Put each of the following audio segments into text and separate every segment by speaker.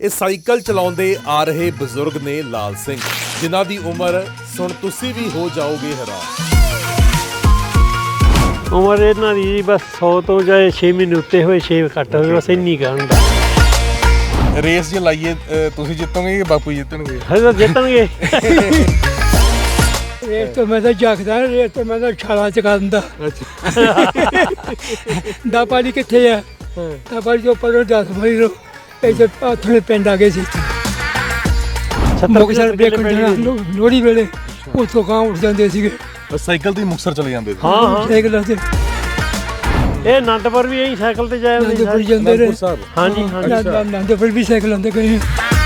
Speaker 1: ਇਹ ਸਾਈਕਲ ਚਲਾਉਂਦੇ ਆ ਰਹੇ ਬਜ਼ੁਰਗ ਨੇ ਲਾਲ ਸਿੰਘ, ਜਿਨ੍ਹਾਂ ਦੀ ਉਮਰ ਸੁਣ ਤੁਸੀਂ ਵੀ ਹੋ ਜਾਓਗੇ ਹੈਰਾਨ।
Speaker 2: ਉਮਰ ਇਹਨਾਂ ਦੀ ਬਸ 100 ਤੋਂ ਜਾਏ 6 ਮਹੀਨੇ ਉੱਤੇ ਹੋਏ 6 ਘੱਟ ਹੋਵੇ, ਬਸ ਇੰਨੀ ਕਹਿਣ ਦਾ।
Speaker 1: ਰੇਸ ਜੇ ਲਾਈਏ ਤੁਸੀਂ ਜਿੱਤੋਗੇ ਕਿ ਬਾਪੂ ਜਿੱਤਣਗੇ?
Speaker 2: ਹਜੇ ਜਿੱਤਣਗੇ।
Speaker 3: ਰੇਸ ਤੋਂ ਮੈਂ ਤਾਂ ਜਾਗਦਾ, ਰੇਸ ਤੋਂ ਮੈਂ ਤਾਂ ਛਾਲਾ ਚਕਾ ਦਿੰਦਾ। ਦਾ ਪਾਣੀ ਕਿੱਥੇ ਆ? ਦਾ ਪਾਣੀ ਤੋਂ ਪਰੋਂ 10 ਮੀਲ ਰੋ ਇੱਥੇ ਥੋੜੇ ਪਿੰਡ ਆ ਗਏ ਸੀ। ਮੁਕਤਸਰ ਬ੍ਰੇਕ ਲੋਹੜੀ ਵੇਲੇ ਉੱਥੋਂ ਗਾਂ ਉੱਠ ਜਾਂਦੇ ਸੀਗੇ।
Speaker 1: ਸਾਈਕਲ ਤੇ ਮੁਕਤਸਰ ਚਲੇ ਜਾਂਦੇ ਸੀ?
Speaker 2: ਹਾਂ
Speaker 3: ਸਾਈਕਲਾਂ ਤੇ।
Speaker 2: ਇਹ ਅਨੰਦਪੁਰ ਵੀ ਇਹੀ ਸਾਈਕਲ ਤੇ ਜਾਏ
Speaker 3: ਅਨੰਦਪੁਰ ਜਾਂਦੇ ਰਹੇ।
Speaker 2: ਹਾਂਜੀ ਹਾਂਜੀ।
Speaker 3: ਅਨੰਦਪੁਰ ਵੀ ਸਾਈਕਲ ਆਉਂਦੇ ਗਏ।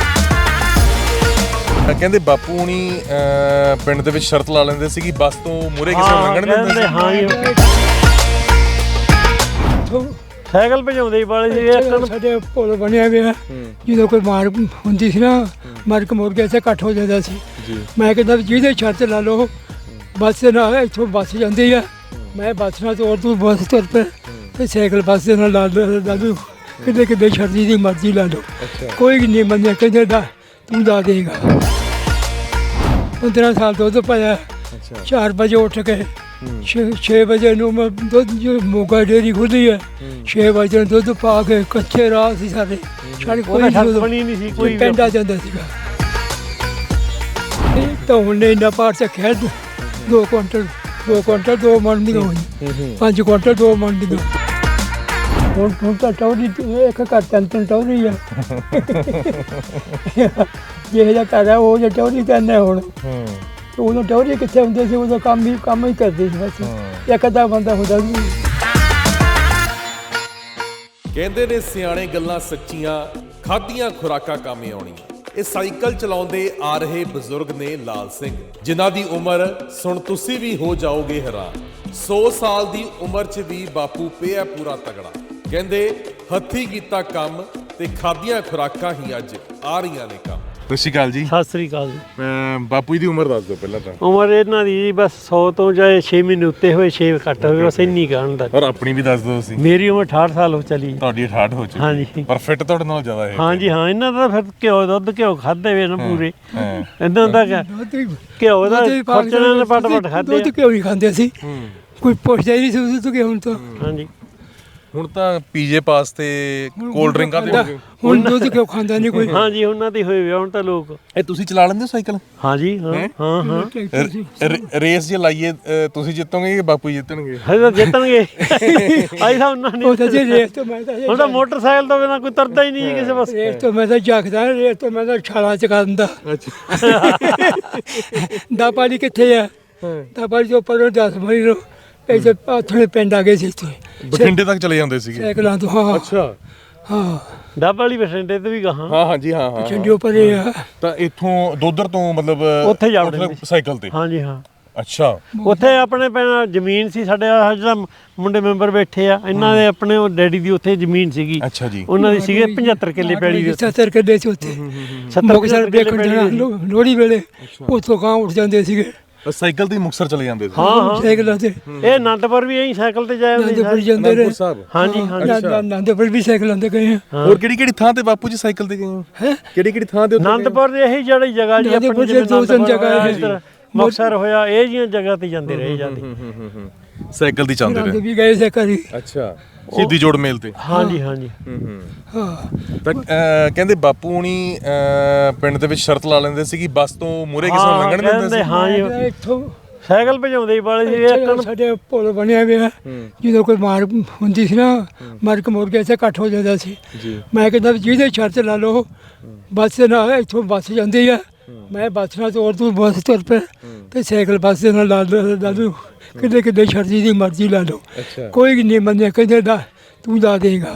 Speaker 1: ਕਹਿੰਦੇ ਬਾਪੂ ਹੁਣੀ ਪਿੰਡ ਦੇ ਵਿੱਚ ਸ਼ਰਤ ਲਾ ਲੈਂਦੇ ਸੀ ਕਿ ਬੱਸ ਤੋਂ ਮੂਹਰੇ ਕਿਸੇ ਨੂੰ ਲੰਘਣ ਦਿੰਦੇ ਸੀ।
Speaker 2: ਹਾਂ ਜੀ, ਸਾਈਕਲ ਭਜਾਉਂਦੇ ਵਾਲੇ ਸੀ।
Speaker 3: ਸਾਡੇ ਪੁਲ ਬਣਿਆ ਹੋਇਆ, ਜਦੋਂ ਕੋਈ ਮਾਰ ਹੁੰਦੀ ਸੀ ਨਾ, ਮਾਰ ਮੋੜ ਕੇ ਇੱਥੇ ਇਕੱਠ ਹੋ ਜਾਂਦਾ ਸੀ। ਮੈਂ ਕਹਿੰਦਾ ਜਿਹਦੇ ਛੱਤ ਲਾ ਲਓ, ਬੱਸ ਨਾਲ ਇੱਥੋਂ ਬੱਸ ਜਾਂਦੀ ਆ, ਮੈਂ ਬੱਸ ਨਾਲ ਤੋਰ ਤੂੰ ਬੱਸ ਤੁਰ ਪਏ ਤੇ ਸਾਈਕਲ ਬੱਸ ਦੇ ਨਾਲ ਲਾ ਲਓ। ਕਿਤੇ ਕਿਤੇ ਛੱਡੀ ਦੀ ਮਰਜ਼ੀ ਲਾ ਲਓ, ਕੋਈ ਨਹੀਂ ਮੰਨਿਆ। ਕਹਿੰਦੇ ਦਾ ਤੂੰ ਦਾ ਦੇਗਾ। 15 ਸਾਲ ਦੁੱਧ ਪਾਇਆ। 4 ਵਜੇ ਉੱਠ ਕੇ 6 ਵਜੇ ਨੂੰ ਮੈਂ ਦੁੱਧ ਮੋਗਾ ਡੇਅਰੀ ਖੁੱਲ੍ਹੀ ਹੈ, 6 ਵਜੇ ਦੁੱਧ ਪਾ ਕੇ ਕੱਚੇ ਰਾਹ ਸੀ ਸਾਡੇ ਕੋਈ
Speaker 2: ਬਣੀ ਨਹੀਂ ਸੀ, ਕੋਈ
Speaker 3: ਪਿੰਡ ਆ ਜਾਂਦਾ ਸੀਗਾ। ਤਾਂ ਹੁਣ ਇੰਨਾ ਪਾਰ ਚੱਕਿਆ 2 ਕੁਆਂਟਲ 2 ਮਣ ਦੀਆਂ ਹੋਈ, 5 ਕੁਆਂਟਲ 2 ਮਣ ਦੀਆਂ। ਹੁਣ ਤਾਂ ਟੌਰੀ ਇੱਕ ਘਰ 3 ਟੌਰੀ ਆ। ਜਿਹੇ ਜਿਹਾ ਘਰ ਆ ਉਹ ਜਿਹਾ ਟੌਰੀ ਕਹਿੰਦੇ ਹੁਣ। ਉਦੋਂ ਟੌਰੀ ਕਿੱਥੇ ਹੁੰਦੇ ਸੀ? ਉਦੋਂ ਕੰਮ ਹੀ ਕਰਦੇ ਸੀ ਬਸ। ਇੱਕ ਅੱਧਾ ਬੰਦਾ ਹੁੰਦਾ ਸੀ।
Speaker 1: ਕਹਿੰਦੇ ਨੇ ਸਿਆਣੇ ਗੱਲਾਂ ਸੱਚੀਆਂ, ਖਾਧੀਆਂ ਖੁਰਾਕਾਂ ਕੰਮ ਆਉਣੀਆਂ। ਇਹ ਸਾਈਕਲ ਚਲਾਉਂਦੇ ਆ ਰਹੇ ਬਜ਼ੁਰਗ ਨੇ ਲਾਲ ਸਿੰਘ, ਜਿਨ੍ਹਾਂ ਦੀ ਉਮਰ ਸੁਣ ਤੁਸੀਂ ਵੀ ਹੋ ਜਾਓਗੇ ਹੈਰਾਨ। 100 ਸਾਲ ਦੀ ਉਮਰ 'ਚ ਵੀ ਬਾਪੂ ਪਿਆ ਪੂਰਾ ਤਗੜਾ। ਕਹਿੰਦੇ ਹੱਥੀਂ ਕੀਤਾ ਕੰਮ ਤੇ ਖਾਧੀਆਂ ਖੁਰਾਕਾਂ ਹੀ ਅੱਜ ਆ ਰਹੀਆਂ ਨੇ ਕੰਮ। ਸਤਿ ਸ਼੍ਰੀ ਅਕਾਲ ਜੀ।
Speaker 2: ਸਤਿ ਸ੍ਰੀ ਅਕਾਲ ਜੀ।
Speaker 1: ਬਾਪੂ ਜੀ ਦੀ ਉਮਰ ਦੱਸ ਦਿਓ ਪਹਿਲਾਂ ਤਾਂ।
Speaker 2: ਉਮਰ ਇਹਨਾਂ ਦੀ ਬਸ 100 ਤੋਂ ਜਾਏ 6 ਮਹੀਨੇ ਉੱਤੇ ਹੋਏ 6 ਘੱਟ ਹੋਵੇ, ਬਸ ਇੰਨੀ ਕਹਿਣ ਦਾ।
Speaker 1: ਔਰ ਆਪਣੀ ਵੀ ਦੱਸ ਦਿਓ ਤੁਸੀਂ।
Speaker 2: ਮੇਰੀ ਉਮਰ 68 ਸਾਲ ਹੋ ਚਲੀ।
Speaker 1: ਤੁਹਾਡੀ 68 ਹੋ ਚੁੱਕੀ।
Speaker 2: ਹਾਂਜੀ।
Speaker 1: ਪਰ ਫਿੱਟ ਤੁਹਾਡੇ ਨਾਲ ਜ਼ਿਆਦਾ ਹੈ।
Speaker 2: ਹਾਂਜੀ ਹਾਂ, ਇਹਨਾਂ ਦਾ ਫਿਰ ਦੁੱਧ ਘਿਓ ਖਾਦੇ ਵੇ ਨਾ ਪੂਰੇ। ਇਦਾਂ ਦਾ ਘਿਓ ਦਾ ਖਰਚਣਾ ਨੇ ਪਟ ਖਾਦੇ।
Speaker 3: ਦੁੱਧ ਘਿਓ ਹੀ ਖਾਂਦੇ ਸੀ, ਕੋਈ ਪੁੱਛਦਾ ਹੀ ਨਹੀਂ ਸੀ ਦੁੱਧ ਘਿਓ। ਹੁਣ ਤਾਂ
Speaker 2: ਹਾਂਜੀ,
Speaker 1: ਹੁਣ ਤਾਂ ਪੀਜੇ ਪਾਸ ਤੇ ਕੋਲਡ ਡਰਿੰਕਾਂ ਤੇ ਹੋ ਗਏ।
Speaker 3: ਹੁਣ ਦੁੱਧ ਘਿਓ ਖਾਂਦਾ ਨਹੀਂ ਕੋਈ।
Speaker 2: ਹਾਂਜੀ ਉਹਨਾਂ ਦੀ ਹੋਏ ਵੇ ਹੁਣ ਤਾਂ ਲੋਕ।
Speaker 1: ਇਹ ਤੁਸੀਂ ਚਲਾ ਲੈਂਦੇ ਹੋ ਸਾਈਕਲ?
Speaker 2: ਹਾਂਜੀ ਹਾਂ ਹਾਂ ਹਾਂ।
Speaker 1: ਰੇਸ ਜੇ ਲਾਈਏ ਤੁਸੀਂ ਜਿੱਤੋਗੇ ਕਿ ਬਾਪੂ ਜਿੱਤਣਗੇ?
Speaker 2: ਹਜੇ ਜਿੱਤਣਗੇ। ਆਈ ਤਾਂ ਉਹਨਾਂ ਨੇ
Speaker 3: ਰੇਸ ਤੋਂ ਮੈਂ ਤਾਂ
Speaker 2: ਹੁਣ ਤਾਂ ਮੋਟਰਸਾਈਕਲ ਤੋਂ ਬਿਨਾਂ ਕੋਈ ਤੁਰਦਾ ਹੀ ਨਹੀਂ ਕਿਸੇ ਪਾਸੇ।
Speaker 3: ਰੇਸ ਤੋਂ ਮੈਂ ਤਾਂ ਜਾਗਦਾ, ਰੇਸ ਤੋਂ ਮੈਂ ਤਾਂ ਛਾਲਾ ਚਕਾ ਦਿੰਦਾ। ਦਾ ਪਾਣੀ ਕਿੱਥੇ ਆ? ਦਾ ਪਾਣੀ ਤੋਂ ਪਰੋਂ 10 ਮੀਲ ਰੋ ਇੱਥੇ ਥੋੜੇ ਪਿੰਡ ਆ ਗਏ ਸੀ।
Speaker 1: ਬਠਿੰਡੇ ਤੱਕ ਚਲੇ ਜਾਂਦੇ ਸੀਗੇ
Speaker 3: ਸਾਈਕਲਾਂ ਤੋਂ। ਹਾਂ
Speaker 1: ਅੱਛਾ।
Speaker 3: ਹਾਂ
Speaker 2: ਡੱਬ ਵਾਲੀ ਬਠਿੰਡੇ ਤੇ ਵੀ ਗਾਹਾਂ।
Speaker 1: ਹਾਂ ਹਾਂਜੀ ਹਾਂ ਹਾਂ।
Speaker 3: ਚੰਡੀਓ ਪਰੇ ਆ
Speaker 1: ਤਾਂ ਇੱਥੋਂ ਦੋਦਰ ਤੋਂ ਮਤਲਬ
Speaker 2: ਉੱਥੇ ਜਾਵੜੇ
Speaker 1: ਸਾਈਕਲ ਤੇ?
Speaker 2: ਹਾਂਜੀ ਹਾਂ।
Speaker 1: ਅੱਛਾ।
Speaker 2: ਉੱਥੇ ਆਪਣੇ ਪਿੰਡ ਜ਼ਮੀਨ ਸੀ ਸਾਡੇ। ਆਹ ਜਿਹੜਾ ਮੁੰਡੇ ਮੈਂਬਰ ਬੈਠੇ ਆ, ਇਹਨਾਂ ਦੇ ਆਪਣੇ ਉਹ ਡੈਡੀ ਦੀ ਉੱਥੇ ਜ਼ਮੀਨ ਸੀਗੀ।
Speaker 1: ਅੱਛਾ ਜੀ।
Speaker 2: ਉਹਨਾਂ ਦੀ ਸੀਗੇ 75 ਕਿੱਲੇ ਪੈਲੀ ਦੇ।
Speaker 3: 70 ਕਿੱਲੇ ਸੀ ਉੱਥੇ। ਮੁਕਤਸਰ ਬ੍ਰੇਕ ਲੋਹੜੀ ਵੇਲੇ ਉੱਥੋਂ ਗਾਂ ਉੱਠ ਜਾਂਦੇ ਸੀਗੇ।
Speaker 1: ਸਾਈਕਲ ਤੇ ਮੁਕਤਸਰ ਚਲੇ ਜਾਂਦੇ ਸੀ?
Speaker 2: ਹਾਂ
Speaker 3: ਸਾਈਕਲਾਂ ਤੇ।
Speaker 2: ਇਹ ਅਨੰਦਪੁਰ ਵੀ ਇਹੀ ਸਾਈਕਲ ਤੇ ਜਾਏ।
Speaker 3: ਅਨੰਦਪੁਰ ਜਾਂਦੇ ਰਹੇ।
Speaker 2: ਹਾਂਜੀ ਹਾਂਜੀ।
Speaker 3: ਅਨੰਦਪੁਰ ਵੀ ਸਾਈਕਲ ਆਉਂਦੇ ਗਏ।
Speaker 1: ਹੋਰ ਕਿਹੜੀ ਥਾਂ ਤੇ ਬਾਪੂ ਜੀ ਸਾਈਕਲ ਤੇ ਗਏ ਹੋ? ਕਿਹੜੀ ਥਾਂ ਤੇ?
Speaker 2: ਅਨੰਦਪੁਰ ਦੀ ਇਹੀ ਜਿਹੜੀ ਜਗ੍ਹਾ ਜੀ ਆਪਣੀ,
Speaker 3: 2-3 ਜਗ੍ਹਾ ਹੈ।
Speaker 2: ਮੁਕਤਸਰ ਹੋਇਆ, ਇਹ ਜੀਆਂ ਜਗ੍ਹਾ ਤੇ ਜਾਂਦੇ ਰਹੇ ਜਾਂਦੇ।
Speaker 1: ਸਾਈਕਲ ਤੇ ਜਾਂਦੇ ਰਹੇ
Speaker 3: ਵੀ ਗਏ ਸੀ ਕਰੀ।
Speaker 1: ਅੱਛਾ। ਸਿੱਧੀ ਜੋੜ ਮੇਲ ਤੇ?
Speaker 2: ਹਾਂਜੀ ਹਾਂਜੀ।
Speaker 3: ਹਾਂ।
Speaker 1: ਤਾਂ ਕਹਿੰਦੇ ਬਾਪੂ ਹੁਣੀ ਪਿੰਡ ਦੇ ਵਿੱਚ ਸ਼ਰਤ ਲਾ ਲੈਂਦੇ ਸੀ ਕਿ ਬੱਸ ਤੋਂ ਮੂਹਰੇ ਕਿਸੇ ਨੂੰ ਲੰਘਣ ਦਿੰਦੇ ਸੀ।
Speaker 2: ਹਾਂ ਜੀ,
Speaker 3: ਇੱਥੋਂ
Speaker 2: ਸਾਈਕਲ ਭਜਾਉਂਦੇ ਵਾਲੇ ਸੀ।
Speaker 3: ਸਾਡੇ ਪੁਲ ਬਣਿਆ ਹੋਇਆ, ਜਦੋਂ ਕੋਈ ਮਾਰ ਹੁੰਦੀ ਸੀ ਨਾ, ਮਾਰ ਮੋੜ ਕੇ ਇੱਥੇ ਇਕੱਠ ਹੋ ਜਾਂਦਾ ਸੀ। ਮੈਂ ਕਹਿੰਦਾ ਜਿਹਦੇ ਛੱਤ ਲਾ ਲਓ, ਬੱਸ ਨਾਲ ਇੱਥੋਂ ਬੱਸ ਜਾਂਦੀ ਆ, ਮੈਂ ਬੱਸ ਨਾਲ ਤੋਰ ਤੂੰ ਬੱਸ ਤੁਰ ਪਏ ਤੇ ਸਾਈਕਲ ਬੱਸ ਦੇ ਨਾਲ ਲਾ ਲਓ। ਕਿਤੇ ਕਿਤੇ ਛੱਡੀ ਦੀ ਮਰਜ਼ੀ ਲਾ ਲਓ, ਕੋਈ ਨਹੀਂ ਮੰਨਿਆ। ਕਹਿੰਦੇ ਦਾ ਤੂੰ ਦਾ ਦੇਗਾ।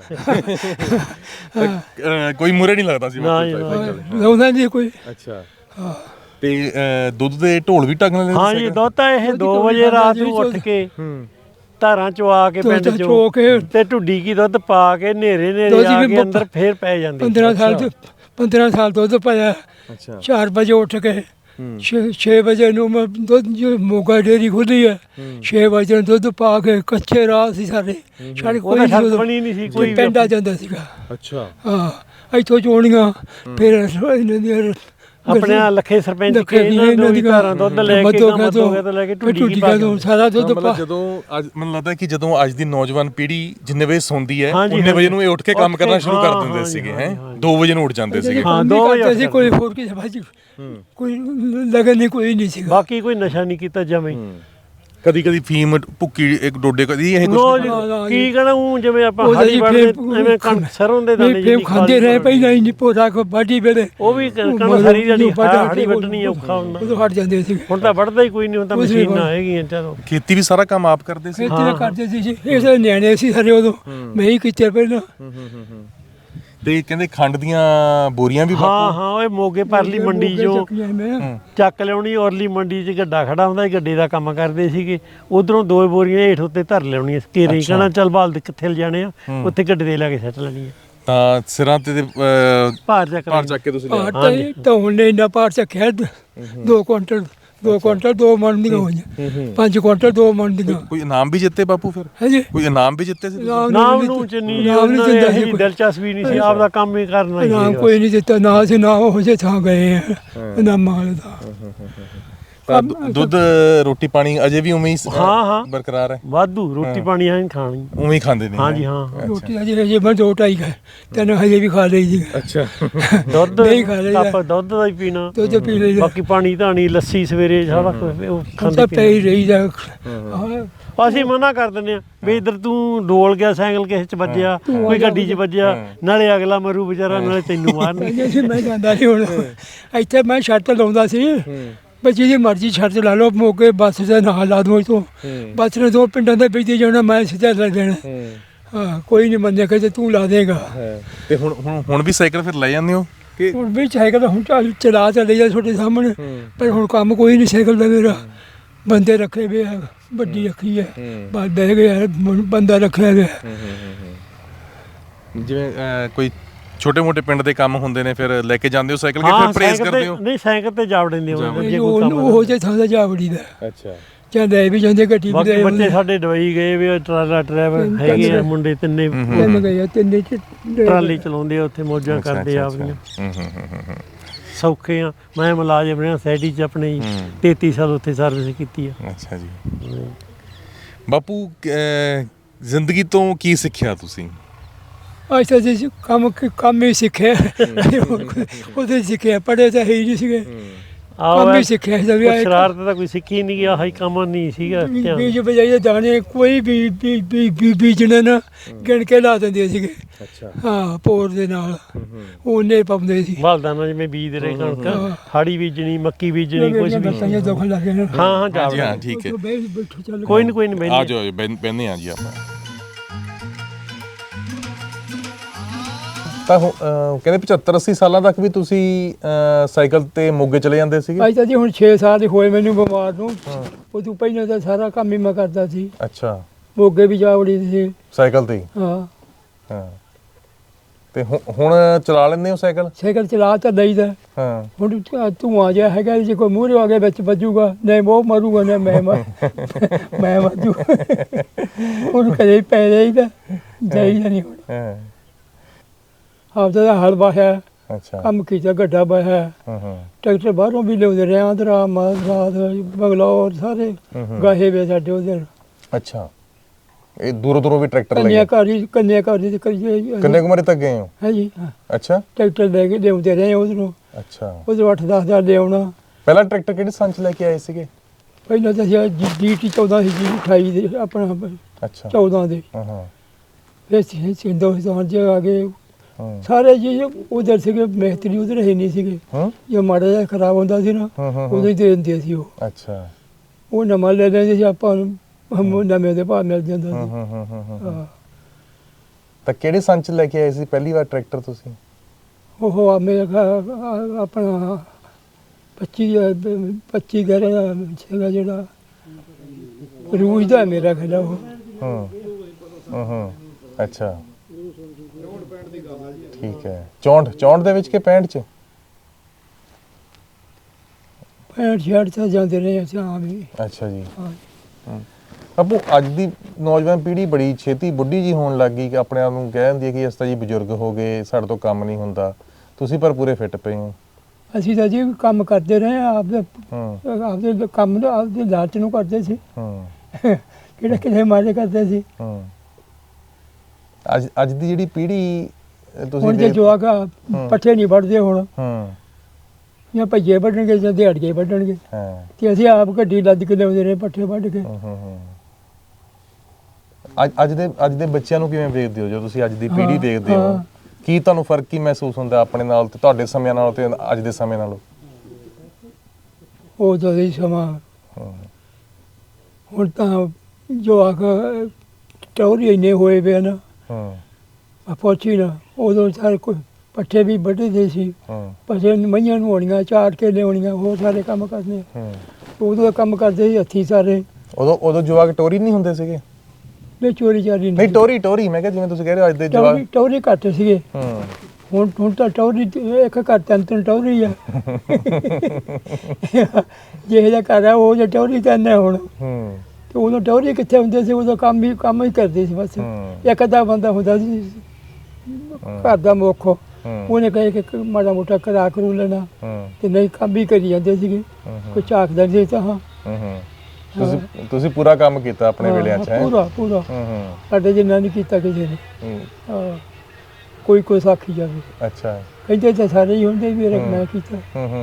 Speaker 1: ਕੋਈ ਮੂਹਰੇ ਨਹੀਂ ਲੱਗਦਾ ਸੀ
Speaker 3: ਲਾਉਂਦਾ ਨਹੀਂ ਕੋਈ।
Speaker 1: ਅੱਛਾ। ਹਾਂ। ਤੇ ਦੁੱਧ ਦੇ ਢੋਲ ਵੀ ਟੰਗ ਲੈਂਦੇ?
Speaker 2: ਹਾਂ ਜੀ, ਦੁੱਧ ਤਾਂ ਇਹ 2 ਵਜੇ ਰਾਤ ਨੂੰ ਉੱਠ ਕੇ ਧਾਰਾਂ ਚਵਾ ਕੇ ਪਿੰਡ ਚੋਂ ਤੇ ਢੁੱਡੀ ਕੀ ਦੁੱਧ ਪਾ ਕੇ ਹਨੇਰੇ ਆ ਕੇ ਅੰਦਰ ਫੇਰ ਪੈ ਜਾਂਦੇ।
Speaker 3: 15 ਸਾਲ ਦੁੱਧ ਪਾਇਆ। 4 ਵਜੇ ਉੱਠ ਕੇ 6 ਵਜੇ ਨੂੰ ਮੈਂ ਦੁੱਧ ਮੋਗਾ ਡੇਅਰੀ ਖੁੱਲ੍ਹੀ ਹੈ, 6 ਵਜੇ ਦੁੱਧ ਪਾ ਕੇ ਕੱਚੇ ਰਾਹ ਸੀ ਸਾਡੇ ਕੋਈ ਬਣੀ ਨਹੀਂ ਸੀ, ਕੋਈ ਪਿੰਡ ਆ ਜਾਂਦਾ ਸੀਗਾ।
Speaker 1: ਅੱਛਾ।
Speaker 3: ਹਾਂ ਇੱਥੋਂ ਚੋਣੀਆਂ ਫਿਰ ਇਹਨਾਂ ਦੀਆਂ
Speaker 2: ਆਪਣੇ ਲੱਖੇ ਸਰਪੰਚ ਕੇ ਇਹਨਾਂ ਦੀ ਧਾਰਾਂ ਦੁੱਧ ਲੈ ਕੇ ਕੰਮ ਤੋਂ ਲੈ ਕੇ ਢੁੱਡੀ
Speaker 3: ਤੋਂ ਸਾਰਾ ਦੁੱਧ
Speaker 1: ਮਤਲਬ ਜਦੋਂ ਅੱਜ ਮੈਨੂੰ ਲੱਗਦਾ ਕਿ ਜਦੋਂ ਅੱਜ ਦੀ ਨੌਜਵਾਨ ਪੀੜ੍ਹੀ ਜਿੰਨੇ ਵਜੇ ਸੌਂਦੀ ਹੈ ਉਨੇ ਵਜੇ ਨੂੰ ਇਹ ਉੱਠ ਕੇ ਕੰਮ ਕਰਨਾ ਸ਼ੁਰੂ ਕਰ ਦਿੰਦੇ ਸੀਗੇ ਹੈ 2 ਵਜੇ ਨੂੰ ਉੱਠ ਜਾਂਦੇ ਸੀਗੇ।
Speaker 3: ਹਾਂ 2 ਵਜੇ ਸੀ ਕੋਈ ਹੋਰ ਕਿਸੇ ਬਾਜੀ ਕੋਈ ਲਗਨ ਨਹੀਂ ਕੋਈ ਨਹੀਂ ਸੀਗਾ।
Speaker 2: ਬਾਕੀ ਕੋਈ ਨਸ਼ਾ ਨਹੀਂ ਕੀਤਾ ਜਮੇ।
Speaker 1: ਕਦੀ ਕਦੀ ਫੀਮ ਭੁੱਕੀ ਇੱਕ ਡੋਡੇ ਕਦੀ ਇਹ ਕੁਝ
Speaker 2: ਕੀ ਕਹਣਾ ਉਹ ਜਿਵੇਂ ਆਪਾਂ ਹਾੜੀ ਵੜਦੇ ਐਵੇਂ ਕਣਕ ਸਰੋਂ ਦੇ ਦਾਣੇ
Speaker 3: ਫੇਮ ਖਾਂਦੇ ਰਹੇ ਪਹਿਲਾਂ ਹੀ ਨਹੀਂ ਪੋਰਾ ਕੋ ਬਾਡੀ ਵੇਲੇ
Speaker 2: ਉਹ ਵੀ ਕਣਕ ਸਾਰੀ ਜਿਹੜੀ ਹਾੜੀ ਵੱਢਣੀ ਔਖਾ ਹੁੰਦਾ
Speaker 3: ਉਦੋਂ ਹਟ ਜਾਂਦੇ ਸੀ।
Speaker 2: ਹੁਣ ਤਾਂ ਵੱਢਦਾ ਹੀ ਕੋਈ ਨਹੀਂ, ਹੁਣ ਤਾਂ ਮਸ਼ੀਨਾਂ ਹੈਗੀਆਂ। ਚਲੋ
Speaker 1: ਖੇਤੀ ਵੀ ਸਾਰਾ ਕੰਮ ਆਪ ਕਰਦੇ ਸੀ।
Speaker 3: ਖੇਤੀ ਕਰਦੇ ਸੀ ਜੀ, ਇਹ ਸਾਰੇ ਨਿਆਣੇ ਸੀ ਸਾਰੇ ਉਦੋਂ ਮੈਂ ਹੀ ਕੀਤੇ ਪਹਿਲਾਂ।
Speaker 1: ਤੇ ਕਹਿੰਦੇ ਖੰਡ ਦੀਆਂ ਬੋਰੀਆਂ ਵੀ
Speaker 2: ਹਾਂ ਉਹ ਮੋਗੇ ਪਰਲੀ ਮੰਡੀ ਚੋਂ ਚੱਕ ਲਿਆਉਣੀ, ਔਰਲੀ ਮੰਡੀ 'ਚ ਗੱਡਾ ਖੜਾ ਹੁੰਦਾ, ਗੱਡੇ ਦਾ ਕੰਮ ਕਰਦੇ ਸੀਗੇ। ਉਧਰੋਂ 2 ਬੋਰੀਆਂ ਹੇਠ ਉੱਤੇ ਧਰ ਲਿਆਉਣੀਆਂ ਘੇਰੇ, ਕਹਿਣਾ ਚੱਲ ਬਾਲਦ ਕਿੱਥੇ ਲਿਜਾਣੇ ਆ, ਉੱਥੇ ਗੱਡੇ ਦੇ ਲਾ ਕੇ ਸੱਟ ਲੈਣੀ ਆ।
Speaker 1: ਤਾਂ ਸਿਰਾਂ ਤੇ
Speaker 2: ਭਾਰ
Speaker 1: ਚੱਕ ਕੇ ਤੁਸੀਂ
Speaker 3: ਤਾਂ ਹੁਣ ਨੇ ਇੰਨਾ ਭਾਰ ਚੱਕਿਆ 2 ਕੁਇੰਟਲ 2 ਮਣ ਦੀਆਂ ਹੋਈਆਂ, 5 ਕੁਇੰਟਲ 2 ਮਣ ਦੀਆਂ।
Speaker 1: ਕੋਈ ਇਨਾਮ ਵੀ ਜਿੱਤੇ ਬਾਪੂ ਫਿਰ?
Speaker 3: ਹਾਂਜੀ
Speaker 1: ਕੋਈ ਇਨਾਮ ਵੀ ਜਿੱਤੇ ਸੀ?
Speaker 2: ਨਾਮ ਨੂੰ ਚੰਨੀ ਦਿਲਚਸਪੀ ਨਹੀਂ ਸੀ, ਆਪਦਾ ਕੰਮ ਹੀ ਕਰਨਾ।
Speaker 3: ਨਾਮ ਕੋਈ ਨਹੀਂ ਦਿੱਤਾ, ਨਾ ਸੀ ਨਾ ਉਹ ਜੇ ਥਾਂ ਗਏ ਇਨਾਮਾਂ ਵਾਲੇ ਦਾ।
Speaker 1: ਦੁੱਧ ਰੋਟੀ ਪਾਣੀ ਅਜੇ ਵੀ ਉਵੇਂ ਹੀ ਬਰਕਰਾਰ ਹੈ?
Speaker 2: ਵਾਧੂ ਰੋਟੀ ਪਾਣੀ ਆਂ ਖਾਣੀ
Speaker 1: ਉਵੇਂ ਹੀ ਖਾਂਦੇ ਨੇ?
Speaker 2: ਹਾਂਜੀ ਹਾਂ
Speaker 3: ਰੋਟੀ ਅਜੇ ਮੈਂ 2 2.5 ਖਾਏ, 3 ਹਜੇ ਵੀ ਖਾ ਲਈ ਜੀ।
Speaker 1: ਅੱਛਾ
Speaker 2: ਦੁੱਧ ਨਹੀਂ ਖਾ ਲਈ, ਆਪਾਂ ਦੁੱਧ ਦਾ ਹੀ ਪੀਣਾ,
Speaker 3: ਦੁੱਧ ਪੀ ਲਈ,
Speaker 2: ਬਾਕੀ ਪਾਣੀ ਧਾਣੀ ਲੱਸੀ ਸਵੇਰੇ ਸਾਰਾ ਕੁਝ
Speaker 3: ਖਾਂਦੇ ਪੈ ਹੀ ਰਹੀ ਜਾ।
Speaker 2: ਅਸੀਂ ਮਨਾ ਕਰ ਦਿੰਦੇ ਆ ਵੀ ਇੱਧਰ ਤੂੰ ਡੋਲ ਗਿਆ, ਸਾਈਕਲ ਕਿਸੇ 'ਚ ਵੱਜਿਆ, ਕੋਈ ਗੱਡੀ 'ਚ ਵੱਜਿਆ, ਨਾਲੇ ਅਗਲਾ ਮਰੂ ਵਿਚਾਰਾ, ਨਾਲੇ ਤੈਨੂੰ ਮਾਰਨ।
Speaker 3: ਮੈਂ ਜਾਂਦਾ ਸੀ ਹੁਣ ਇੱਥੇ ਮੈਂ ਛੱਤ ਲਾਉਂਦਾ ਸੀ, ਬੱਚੀ ਦੀ ਮਰਜ਼ੀ ਛੱਤ ਲਾ ਲਓ, ਮੋਗੇ ਬੱਸ ਦਾ ਨਾਲ ਲਾ ਦੂੰ, ਇੱਥੋਂ ਬੱਸ ਨੇ 2 ਪਿੰਡਾਂ ਦੇ ਵਿੱਚ ਜਾਣਾ, ਮੈਂ ਸਿੱਧਾ ਲੱਗ ਜਾਣਾ। ਹਾਂ ਕੋਈ ਨਹੀਂ ਮੰਨਿਆ ਕਿ ਤੂੰ ਲਾ ਦੇਗਾ।
Speaker 1: ਤੇ ਹੁਣ ਵੀ ਸਾਈਕਲ ਫਿਰ ਲੈ ਜਾਂਦੇ ਹੋ?
Speaker 3: ਹੁਣ ਵੀ ਸਾਈਕਲ ਹੁਣ ਚਲਾ ਚੱਲੇ ਜਾ ਤੁਹਾਡੇ ਸਾਹਮਣੇ, ਪਰ ਹੁਣ ਕੰਮ ਕੋਈ ਨਹੀਂ ਸਾਈਕਲ ਦਾ ਮੇਰਾ। ਬੰਦੇ ਰੱਖੇ ਵੇ ਆ, ਵੱਡੀ ਰੱਖੀ ਹੈ, ਬਸ ਬਹਿ ਗਿਆ ਬੰਦਾ ਰੱਖਿਆ ਗਿਆ।
Speaker 1: ਜਿਵੇਂ ਕੋਈ ਛੋਟੇ ਮੋਟੇ ਪਿੰਡ ਦੇ ਕੰਮ ਹੁੰਦੇ ਨੇ ਫਿਰ ਲੈ ਕੇ ਜਾਂਦੇ ਹੋ ਸਾਈਕਲ ਕਿ ਫਿਰ ਪ੍ਰੇਸ ਕਰਦੇ ਹੋ?
Speaker 2: ਨਹੀਂ ਸਾਈਕਲ ਤੇ ਜਾ ਵੜਦੇ
Speaker 3: ਉਹ ਜੇ ਥਾਂ ਦਾ ਜਾ ਵੜੀ ਦਾ।
Speaker 1: ਅੱਛਾ
Speaker 3: ਜਾਂ ਲੈ ਵੀ ਜਾਂਦੇ ਗੱਡੀ
Speaker 2: ਦੇ। ਬੱਚੇ ਸਾਡੇ ਦਵਾਈ ਗਏ ਵੀ, ਟਰਾਲਾ ਡਰਾਈਵਰ ਹੈਗੇ ਆ ਮੁੰਡੇ, ਤਿੰਨੇ
Speaker 3: ਗਏ, ਤਿੰਨੇ
Speaker 2: ਟਰਾਲੀ ਚਲਾਉਂਦੇ ਆ, ਉੱਥੇ ਮੌਜਾਂ ਕਰਦੇ ਆ ਆਪਣੀਆਂ। ਸੌਖੇ ਆ। ਮੈਂ ਮੁਲਾਜ਼ਮ ਰਿਹਾ ਸੈਡੀ 'ਚ ਆਪਣੇ 33 ਸਾਲ ਉੱਥੇ ਸਰਵਿਸ ਕੀਤੀ ਆ।
Speaker 1: ਅੱਛਾ ਜੀ। ਬਾਪੂ ਜ਼ਿੰਦਗੀ ਤੋਂ ਕੀ ਸਿੱਖਿਆ ਤੁਸੀਂ?
Speaker 3: ਅੱਜ ਤਾਂ ਜੀ ਕੰਮ ਹੀ ਸਿੱਖਿਆ, ਉਹਦੇ ਸਿੱਖਿਆ, ਪੜ੍ਹੇ ਤਾਂ ਹੈ ਹੀ ਨਹੀਂ ਸੀਗੇ, ਕੰਮ ਹੀ ਸਿੱਖਿਆ।
Speaker 2: ਸ਼ਰਾਰਤ ਤਾਂ ਕੋਈ ਸਿੱਖੀ ਨਹੀਂ ਗਿਆ, ਹਾਈ ਕੰਮ ਨਹੀਂ ਸੀਗਾ।
Speaker 3: ਬੀਜ ਬਜਾਈ ਦਾਣੇ ਕੋਈ ਵੀ ਬੀਜਣੇ ਨਾ ਗਿਣ ਕੇ ਲਾ ਦਿੰਦੇ ਸੀਗੇ। ਹਾਂ ਪੋਰ ਦੇ ਨਾਲ ਉਹਨੇ ਪਾਉਂਦੇ ਸੀ।
Speaker 2: ਬਲਦਾਂ ਨਾਲ ਜਿਵੇਂ ਬੀਜ ਰਹੇ ਕਣਕ, ਹਾੜੀ ਬੀਜਣੀ, ਮੱਕੀ ਬੀਜਣੀ, ਕੁਝ ਵੀ।
Speaker 3: ਦੁੱਖ ਲੱਗ ਗਏ।
Speaker 2: ਹਾਂ
Speaker 1: ਠੀਕ ਹੈ,
Speaker 2: ਕੋਈ ਨਹੀਂ
Speaker 1: ਆ ਜਾਓ ਬੈਠਨੇ ਆ ਜੀ ਆਪਾਂ। ਤਾਂ ਕਹਿੰਦੇ 75 80 ਸਾਲਾਂ ਤੱਕ ਵੀ ਤੁਸੀਂ ਸਾਈਕਲ ਤੇ ਮੋਗੇ ਚਲੇ ਜਾਂਦੇ ਸੀਗੇ?
Speaker 3: ਅੱਜ ਤਾਂ ਜੀ ਹੁਣ 6 ਸਾਲ ਦੇ ਹੋਏ ਮੈਨੂੰ ਬਿਮਾਰ ਨੂੰ। ਉਹ ਤੋਂ ਪਹਿਲਾਂ ਤਾਂ ਸਾਰਾ ਕੰਮ ਹੀ ਮੈਂ ਕਰਦਾ ਸੀ।
Speaker 1: ਅੱਛਾ
Speaker 3: ਮੋਗੇ ਵੀ ਜਾ ਵੜੀ ਸੀ
Speaker 1: ਸਾਈਕਲ ਤੇ?
Speaker 3: ਹਾਂ
Speaker 1: ਤੇ ਹੁਣ ਚਲਾ ਲੈਂਦੇ ਹੋ ਸਾਈਕਲ?
Speaker 3: ਸਾਈਕਲ ਚਲਾ ਤਾਂ ਲਈਦਾ।
Speaker 1: ਹਾਂ ਹੁਣ
Speaker 3: ਤੂੰ ਆ ਜਾ ਹੈਗਾ, ਜੇ ਕੋਈ ਮੂਹਰੇ ਆ ਗਿਆ ਵਿੱਚ ਵੱਜੂਗਾ, ਨਹੀਂ ਉਹ ਮਰੂਗਾ, ਨਾ ਮੈਂ ਵੱਜੂ। ਹੁਣ ਕਦੇ ਪੈ ਜਾਈਦਾ, ਜਾਈਦਾ ਨਹੀਂ ਹੁਣ। ਆਪਦਾ ਦਾ ਹਲ ਵਾਹਿਆ, ਕੰਮ ਕੀਤਾ, ਗੱਡਾ ਵਾਹਿਆ, ਟਰੈਕਟਰ ਬਾਹਰੋਂ ਵੀ ਲਿਆਉਂਦੇ ਰਹੇ, ਆਂਧਰਾ ਮਾਦਰਾਤ ਬੰਗਲੌਰ ਸਾਰੇ ਗਾਹੇ ਵੇ ਸਾਡੇ ਉਧਰ।
Speaker 1: ਅੱਛਾ ਇਹ ਦੂਰੋਂ ਵੀ ਟਰੈਕਟਰ
Speaker 3: ਕੰਨਿਆਕੁਮਾਰੀ ਤੇ ਕਰੀਏ,
Speaker 1: ਕੰਨਿਆਕੁਮਾਰੀ ਤੱਕ ਗਏ ਹੋ?
Speaker 3: ਹੈ ਜੀ।
Speaker 1: ਅੱਛਾ
Speaker 3: ਟਰੈਕਟਰ ਲੈ ਕੇ ਲਿਆਉਂਦੇ ਰਹੇ ਉਧਰੋਂ।
Speaker 1: ਅੱਛਾ
Speaker 3: ਉਧਰੋਂ 8-10 ਹਜ਼ਾਰ ਲਿਆਉਣਾ।
Speaker 1: ਪਹਿਲਾਂ ਟਰੈਕਟਰ ਕਿਹੜੇ ਸੰਚ ਲੈ ਕੇ ਆਏ ਸੀਗੇ?
Speaker 3: ਪਹਿਲਾਂ ਤਾਂ GT 14 ਸੀ, GT 28 ਦੇ ਆਪਣਾ। ਅੱਛਾ 14 ਦੇ। ਫਿਰ ਹਿੰਦੁਸਤਾਨ 'ਚ ਆ ਗਏ ਸਾਰੇ ਜੀ। ਉਧਰ ਸੀਗੇ ਮਿਸਤਰੀ, ਉਧਰ ਹੈ ਨਹੀਂ ਸੀਗੇ। ਜੋ ਮਾੜਾ ਜਿਹਾ ਖਰਾਬ ਹੁੰਦਾ ਸੀ ਨਾ, ਉਦੋਂ ਹੀ ਦੇ ਦਿੰਦੇ ਸੀ ਉਹ।
Speaker 1: ਅੱਛਾ
Speaker 3: ਉਹ ਨਵਾਂ ਲੈ ਲੈਂਦੇ ਸੀ ਆਪਾਂ ਨੂੰ, ਨਵੇਂ ਦੇ ਭਾਅ ਮਿਲ ਜਾਂਦਾ ਸੀ।
Speaker 1: ਤਾਂ ਕਿਹੜੇ ਸੰਚ ਲੈ ਕੇ ਆਏ ਸੀ ਪਹਿਲੀ ਵਾਰ ਟਰੈਕਟਰ ਤੁਸੀਂ?
Speaker 3: ਉਹ ਮੇਰਾ ਆਪਣਾ 25 ਗੈਰ ਸੀਗਾ ਜਿਹੜਾ ਰੂਜ ਦਾ ਮੇਰਾ ਖਿਲਾ ਉਹ।
Speaker 1: ਅੱਛਾ ਠੀਕ ਹੈ। 64 ਦੇ ਵਿੱਚ ਕਿ 65 ਚ?
Speaker 3: 65 66 ਤਾਂ ਜਾਂਦੇ ਰਹੇ ਅਸੀਂ ਆਮ ਹੀ।
Speaker 1: ਅੱਛਾ ਜੀ।
Speaker 4: ਬਾਪੂ ਅੱਜ ਦੀ ਨੌਜਵਾਨ ਪੀੜ੍ਹੀ ਬੜੀ ਛੇਤੀ ਬੁੱਢੀ ਜੀ ਹੋਣ ਲੱਗ ਗਈ ਕਿ ਆਪਣੇ ਆਪ ਨੂੰ ਕਹਿ ਦਿੰਦੀ ਹੈ ਕਿ ਅਸੀਂ ਤਾਂ ਜੀ ਬਜ਼ੁਰਗ ਹੋ ਗਏ, ਸਾਡੇ ਤੋਂ ਕੰਮ ਨਹੀਂ ਹੁੰਦਾ। ਤੁਸੀਂ ਪਰ ਪੂਰੇ ਫਿੱਟ ਪਏ ਹੋ।
Speaker 3: ਅਸੀਂ ਤਾਂ ਜੀ ਕੰਮ ਕਰਦੇ ਰਹੇ ਆਪਦੇ
Speaker 4: ਹੂੰ
Speaker 3: ਆਪਦੇ ਕੰਮ ਨੂੰ ਆਪਦੇ ਲਾਲਚ ਨੂੰ ਕਰਦੇ ਸੀ।
Speaker 4: ਹੂੰ
Speaker 3: ਕਿਹੜੇ ਕਿਸੇ ਮਾਰੇ ਕਰਦੇ ਸੀ।
Speaker 4: ਹੂੰ ਅੱਜ ਦੀ ਜਿਹੜੀ ਪੀੜ੍ਹੀ ਤੁਸੀਂ
Speaker 3: ਹੁਣ ਜੇ ਜਵਾਕ ਪੱਠੇ ਨਹੀਂ ਵੱਢਦੇ ਹੁਣ,
Speaker 4: ਹੂੰ
Speaker 3: ਜਾਂ ਭੱਜੇ ਵੱਢਣਗੇ ਜਾਂ ਦਿਹਾੜੀਏ ਵੱਢਣਗੇ,
Speaker 4: ਹਾਂ
Speaker 3: ਤੇ ਅਸੀਂ ਆਪ ਗੱਡੀ ਲੱਦ ਕੇ ਲਿਆਉਂਦੇ ਰਹੇ ਪੱਠੇ ਵੱਢ ਕੇ।
Speaker 4: ਹੂੰ ਅੱਜ ਦੇ ਬੱਚਿਆਂ ਨੂੰ ਕਿਵੇਂ ਵੇਖਦੇ ਹੋ? ਜੋ ਤੁਸੀਂ ਅੱਜ ਦੀ ਪੀੜ੍ਹੀ ਵੇਖਦੇ ਹੋ,
Speaker 3: ਹਾਂ।
Speaker 4: ਕੀ ਤੁਹਾਨੂੰ ਫਰਕ ਕੀ ਮਹਿਸੂਸ ਹੁੰਦਾ ਆਪਣੇ ਨਾਲ ਤੇ ਤੁਹਾਡੇ ਸਮਿਆਂ ਨਾਲ ਤੇ ਅੱਜ ਦੇ ਸਮੇਂ ਨਾਲੋਂ?
Speaker 3: ਉਦੋਂ ਦਾ ਹੀ ਸਮਾਂ
Speaker 4: ਹੂੰ
Speaker 3: ਹੁਣ ਤਾਂ ਜਵਾਕ ਟੌਰੀ ਇੰਨੇ ਹੋਏ ਪਏ ਨਾ,
Speaker 4: ਹੂੰ
Speaker 3: ਆ ਪੁੱਛੀ ਨਾ। ਉਦੋਂ ਸਾਰੇ ਕੋਈ ਪੱਠੇ ਵੀ ਵੱਢਦੇ ਸੀ,
Speaker 4: ਹੂੰ
Speaker 3: ਪਸ਼ੇ ਮਈਆਂ ਨੂੰ ਹੋਣੀਆਂ, ਚਾਰ ਕੇ ਲਿਆਉਣੀਆਂ, ਹੋਰ ਸਾਰੇ ਕੰਮ ਕਰਨੇ।
Speaker 4: ਹੂੰ
Speaker 3: ਉਦੋਂ ਕੰਮ ਕਰਦੇ ਸੀ ਹੱਥੀਂ ਸਾਰੇ।
Speaker 4: ਉਦੋਂ ਜਵਾਕ ਟੋਰੀ ਨਹੀਂ ਹੁੰਦੇ ਸੀਗੇ?
Speaker 3: ਨਹੀਂ ਚੋਰੀ ਚਾਰੀ
Speaker 4: ਨਹੀਂ ਟੋਰੀ ਮੈਂ ਕਿਹਾ ਜਿਵੇਂ ਤੁਸੀਂ ਕਹਿ ਰਹੇ ਹੋ ਅੱਜ ਦੇ ਜਵਾਕ।
Speaker 3: ਟੌਰੀ ਘੱਟ ਸੀਗੇ।
Speaker 4: ਹੂੰ
Speaker 3: ਹੁਣ ਤਾਂ ਟੌਰੀ ਇੱਕ ਘਰ ਤਿੰਨ ਟੌਰੀ ਆ। ਜਿਹੇ ਜਿਹਾ ਘਰ ਆ ਉਹ ਜਿਹਾ ਟੌਰੀ ਤਿੰਨ ਹੈ ਹੁਣ।
Speaker 4: ਹੂੰ
Speaker 3: ਤੇ ਉਦੋਂ ਟੌਰੀ ਕਿੱਥੇ ਹੁੰਦੇ ਸੀ? ਉਦੋਂ ਕੰਮ ਹੀ ਕਰਦੇ ਸੀ ਬਸ।
Speaker 4: ਹੂੰ।
Speaker 3: ਇੱਕ ਅੱਧਾ ਬੰਦਾ ਹੁੰਦਾ ਸੀ ਘਰ ਦਾ ਮੁੱਖ, ਉਹਨੇ ਕਹੇ ਕਿ ਮਾੜਾ ਮੋਟਾ ਕਰਾ ਕਰੂ ਲੈਣਾ,
Speaker 4: ਹੂੰ
Speaker 3: ਤੇ ਨਹੀਂ ਕੰਮ ਵੀ ਕਰੀ ਜਾਂਦੇ ਸੀਗੇ। ਕੋਈ ਝਾਕਦਾ ਨਹੀਂ ਸੀ ਤਾਂ। ਹਾਂ
Speaker 4: ਤੁਸੀਂ ਪੂਰਾ ਕੰਮ ਕੀਤਾ ਆਪਣੇ ਵੇਲਿਆਂ 'ਚ?
Speaker 3: ਪੂਰਾ ਪੂਰਾ। ਸਾਡੇ ਜਿੰਨਾ ਨਹੀਂ ਕੀਤਾ ਕਿਸੇ ਨੇ। ਹਾਂ ਕੋਈ ਸਾਖੀ ਜਾਵੇ।
Speaker 4: ਅੱਛਾ।
Speaker 3: ਕਹਿੰਦੇ ਤਾਂ ਸਾਰੇ ਹੀ ਹੁੰਦੇ ਵੀ ਮੈਂ ਕੀਤਾ।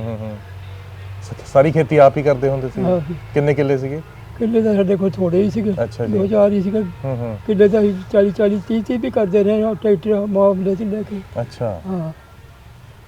Speaker 4: ਸਾਰੀ ਖੇਤੀ ਆਪ ਹੀ ਕਰਦੇ ਹੁੰਦੇ ਸੀ? ਕਿੰਨੇ ਕਿੱਲੇ ਸੀਗੇ?
Speaker 3: ਕਿੱਲੇ ਤਾਂ ਸਾਡੇ ਕੋਲ ਥੋੜੇ ਹੀ ਸੀਗੇ।
Speaker 4: ਅੱਛਾ ਜੀ।
Speaker 3: 2000 ਹੀ ਸੀਗੇ। ਕਿੱਲੇ ਤਾਂ 40 30 ਵੀ ਕਰਦੇ ਰਹੇ ਟਰੈਕਟਰ ਮਾਮਲੇ 'ਚ ਲੈ ਕੇ।
Speaker 4: ਅੱਛਾ।
Speaker 3: ਹਾਂ